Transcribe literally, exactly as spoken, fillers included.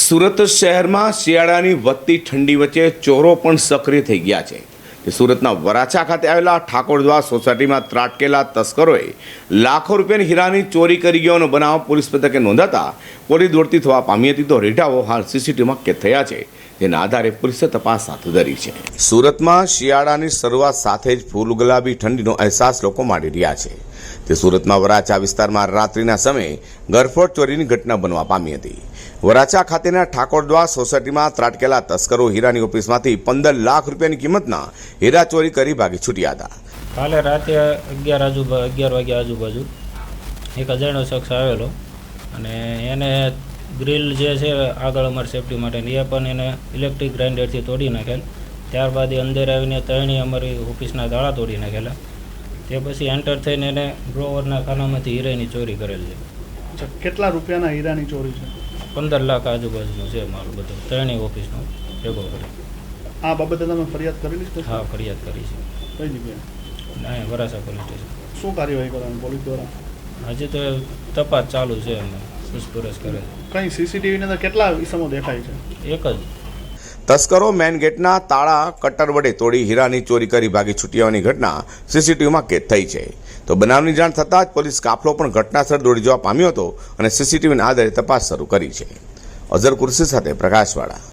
સુરત શહેરમાં શિયાળાની વધતી ઠંડી વચ્ચે ચોરો પણ સક્રિય થઈ ગયા છે. સુરતના વરાછા ખાતે આવેલા ઠાકોરદ્વાર સોસાયટીમાં ત્રાટકેલા તસ્કરોએ લાખો રૂપિયાની હીરાની ચોરી કરી ગયાનો બનાવ પોલીસ મથકે નોંધાતા પોલીસ દોડતી થવા પામી હતી. તો રેઢાઓ હાલ સીસીટીવીમાં કેદ થયા છે, જેના આધારે પોલીસે તપાસ હાથ ધરી છે. સુરતમાં શિયાળાની શરૂઆત સાથે જ ફૂલ ગુલાબી ઠંડીનો અહેસાસ લોકો માણી રહ્યા છે. તે સુરતમાં વરાછા વિસ્તારમાં રાત્રિના સમયે ગરફોડ ચોરીની ઘટના બનવા પામી હતી. વરાછા ખાતેના ઠાકોરદ્વાર સોસાયટીમાં ત્રાટકેલા તસ્કરો હીરાની ઓફિસમાંથી પંદર લાખ રૂપિયાની કિંમતના હીરા ચોરી કરી ભાગી છૂટ્યા હતા. કાલે રાતે અગિયાર આજુબાજુ અગિયાર વાગ્યા આજુબાજુ એક અજાણ્યો શખ્સ આવેલો અને એને ગ્રીલ જે છે આગળ અમારી સેફટી માટેની એ પણ એને ઇલેક્ટ્રિક ગ્રાઇન્ડરથી તોડી નાખેલ. ત્યારબાદ એ અંદર આવીને ત્રણેય અમારી ઓફિસના તાળા તોડી નાખેલા. તે પછી એન્ટર થઈને એને ડ્રોવરના ખાનામાંથી હીરાની ચોરી કરેલ છે. કેટલા રૂપિયાના હીરાની ચોરી છે? પંદર લાખ આજુબાજુનું છે મારું બધું ત્રણેય ઓફિસનો ભેગો કરી. આ બાબતે તમે ફરિયાદ કરેલી છે? હા, ફરિયાદ કરી છે. કઈ જગ્યાએ? ના, વરાછા પોલીસ સ્ટેશન. શું કાર્યવાહી કરવાની પોલીસ દ્વારા? હજી તો તપાસ ચાલુ છે, અમે પૂછપરછ કરે છે. કઈ સીસીટીવીની અંદર કેટલા વિષમો દેખાય છે? એક જ. તસ્કરો મેન ગેટના તાળા કટર વડે તોડી હીરાની ચોરી કરી ભાગી છૂટ્યાની ઘટના સીસીટીવીમાં કેદ થઈ છે. તો બનાવની જાણ થતાં જ પોલીસ કાફલો પણ ઘટનાસ્થળ દોડી જવા પામ્યો હતો અને સીસીટીવીના આધારે તપાસ શરૂ કરી છે. અઝર કુર્સી સાથે પ્રકાશવાળા.